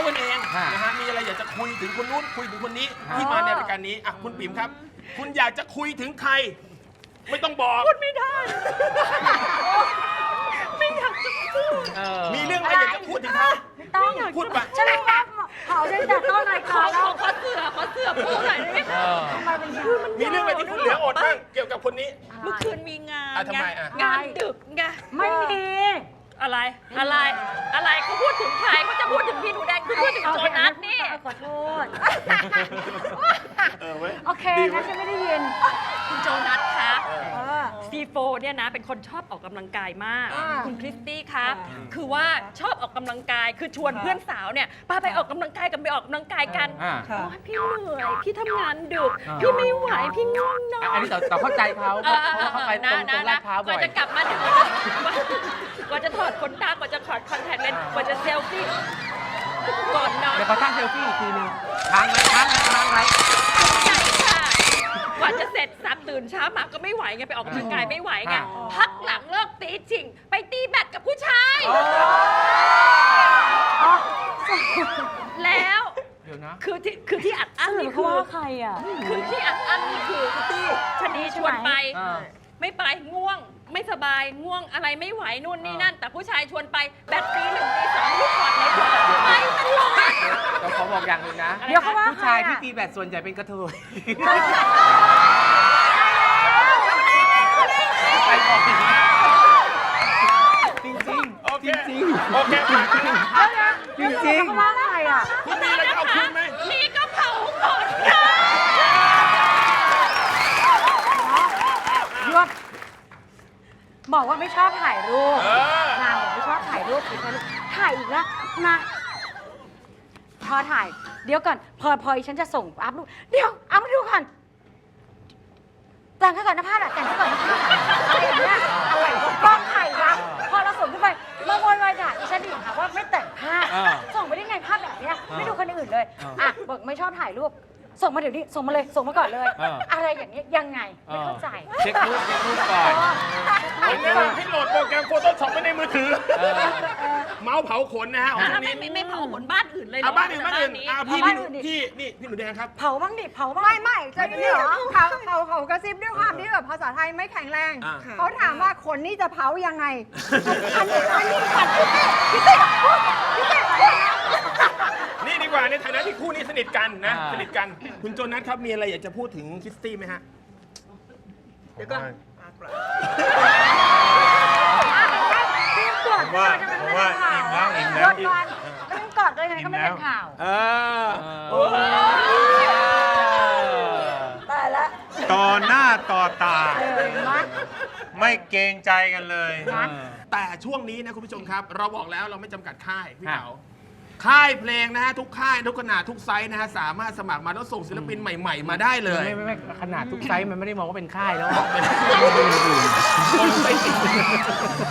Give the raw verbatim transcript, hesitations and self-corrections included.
กันเองนะฮะมีอะไรอยากจะคุยถึงคนนู้นคุยถึงคนนี้ที่มาในรายการนี้อ่ะคุณปิ๋มครับ คุณอยากจะคุยถึงใคร ไม่ต้องบอกพูดไม่ได้ไม่อยากจะพูดมีเรื่องอะไรอยากจะพูดถึงเขาไม่ต้องพูดไปฉันรู้ว่าเผาได้แต่ต้นรายขกาอรขแล้วอขอเสือขอเสือพูดหน่อยได้ไหมคะทำไมเป็นชื่อมันมีเรื่องอะไรที่คุณเหลืออดบ้างเกี่ยวกับคนนี้เมื่อคืนมีงานอ่ะทำไมอ่ะงานดึกไงไม่มีอะไรอะไรอะไรเขาพูดถึงใครเขาจะพูดถึงพี่หนูแดงคือพูดถึงโจนัสนี่ขอโทษเออเว้ยโอเคนะฉันไม่ได้ยินคุณโจนัสคะเออซีโฟเนี่ยนะเป็นคนชอบออกกำลังกายมากอ่าคุณคริสตี้คะคือว่าชอบออกกำลังกายคือชวนเพื่อนสาวเนี่ยป้าไปออกกำลังกายกันไปออกกำลังกายกันอ่าโอ้ยพี่เหนื่อยพี่ทำงานดึกพี่ไม่ไหวพี่ง่วงนอนอันนี้เราเราเข้าใจเขาเพราะเพราะเขาไปตรงตรงลาดพร้าวกบ่ว่าอยจะกลับมาถึงกว่าจะถอดขนตากว่าจะถอดคอนแทคเลนส์กว่าจะเซลฟี่ก่อนนอนเดี๋ยวเขาตั้งเซลฟี่อีกทีนึงค้างไว้ค้างไว้ค้างไว้ใช่ค่ะกว่าจะเสร็จสับตื่นเช้ามาก็ไม่ไหวไงไปออกกำลังกายไม่ไหวไงพักหลังเลิกตีจริง ไปตีแบดกับผู้ชายแล้วเดี๋ยวนะคือที่คือที่อัดอั้นสื่อนี่เขาคือว่าใครอ่ะคือที่อัดอั้นนี่คือที่ชนีชวนไปอ่าไม่ไปง่วงไม่สบายง่วงอะไรไม่ไหวนู่นนี่นั่น แต่ผู้ชายชวนไปแบตตีหนึ่งตีสองลูกขอดในตัวไปตลอดเราขอบอกอย่างหนึ่งนะเดี๋ยวเขาว่าผู้ใครชายที่อ่ะตีแบดส่วนใหญ่เป็นกระเทยไปก่อนจริงจริงโอเคจริงโอเคผ่านไปแล้วจริงจริงเขาว่าใครอ่ะคุณมีอะไรจะเอาคืนไหมนี่ก็เผาขนค่ะหยุดบอกว่าไม่ชอบถ่ายรูปเออนางบอกไม่ชอบถ่ายรูปอีกแล้วถ่ายอีกแล้วนะพอถ่าย เดี๋ยวก่อน พอพอฉันจะส่งอัพรูปเดี๋ยวเอามาดูก่อนแต่งให้ก่อนนะพาดอะแต่งให้ก่อนนะพาดอะอะไรอย่างเงี้ยอะไรกล้องถ่ายวะพอเราส่งขึ้นไปมาโวยวายด่าดิฉันอีกค่ะว่าไม่แต่งภาพส่งไปได้ไงภาพแบบเนี้ยไม่ดูคนอื่นเลยอ่ะบอกไม่ชอบถ่ายรูป ส่งมาเดี๋ยวนี้ส่งมาเลยส่งมาก่อนเลย อะไรอย่างเงี้ยยังไงไม่เข้าใจเช็ครูปเช็ครูปก่อนผมแนะนำให้โหลดโปรแกรม Photoshop ไว้ในมือถือ เมาส์เผาขนนะฮะของช่วงไม่นี้ไม่ไม่เผาขนบ้านอื่นเลยเหรอ่ะบ้านอื่นบ้านอื่นอ่ะพี่บ้าพี่นหนูอื่นดิพี่นี่พี่หนูแดงครับเผาบ้างดิเผาบ้างไม่ไม่จะนี่เหรอเขาเขาเขากระซิบด้วยความที่แบบภาษาไทยไม่แข็งแรงอ่าเขาถามว่าคนนี้จะเผายังไง อันนี้อันนี้ขัดพี่เต้พี่เต้พูดพี่เต้พูดนี่ดีกว่าในฐานะที่คู่นี้สนิทกันนะอ่าสนิทกันคุณโจนัสครับมีอะไรอยากจะพูดถึงคริสตี้ไหมฮะเดี๋ยวก่อนพี่กดว่าว่าอิ่มแล้วอิ่มแล้วก่อนก็ไม่กอดเลยไงก็ไม่เป็นข่าวเออโอ้ตายละต่อหน้าต่อตาเออมัดไม่เกรงใจกันเลยแต่ช่วงนี้นะคุณผู้ชมครับ เราบอกแล้วเราไม่จำกัดค่ายพี่เต๋าค่ายเพลงนะฮะทุกค่ายทุกขนาดทุกไซส์นะฮะสามารถสมัครมาแล้วส่งศิลปินใหม่ ๆ มาได้เลยไม่ไม่ไม่ขนาดทุกไซส์มันไม่ได้มองว่าเป็นค่ายแล้วคนไปติด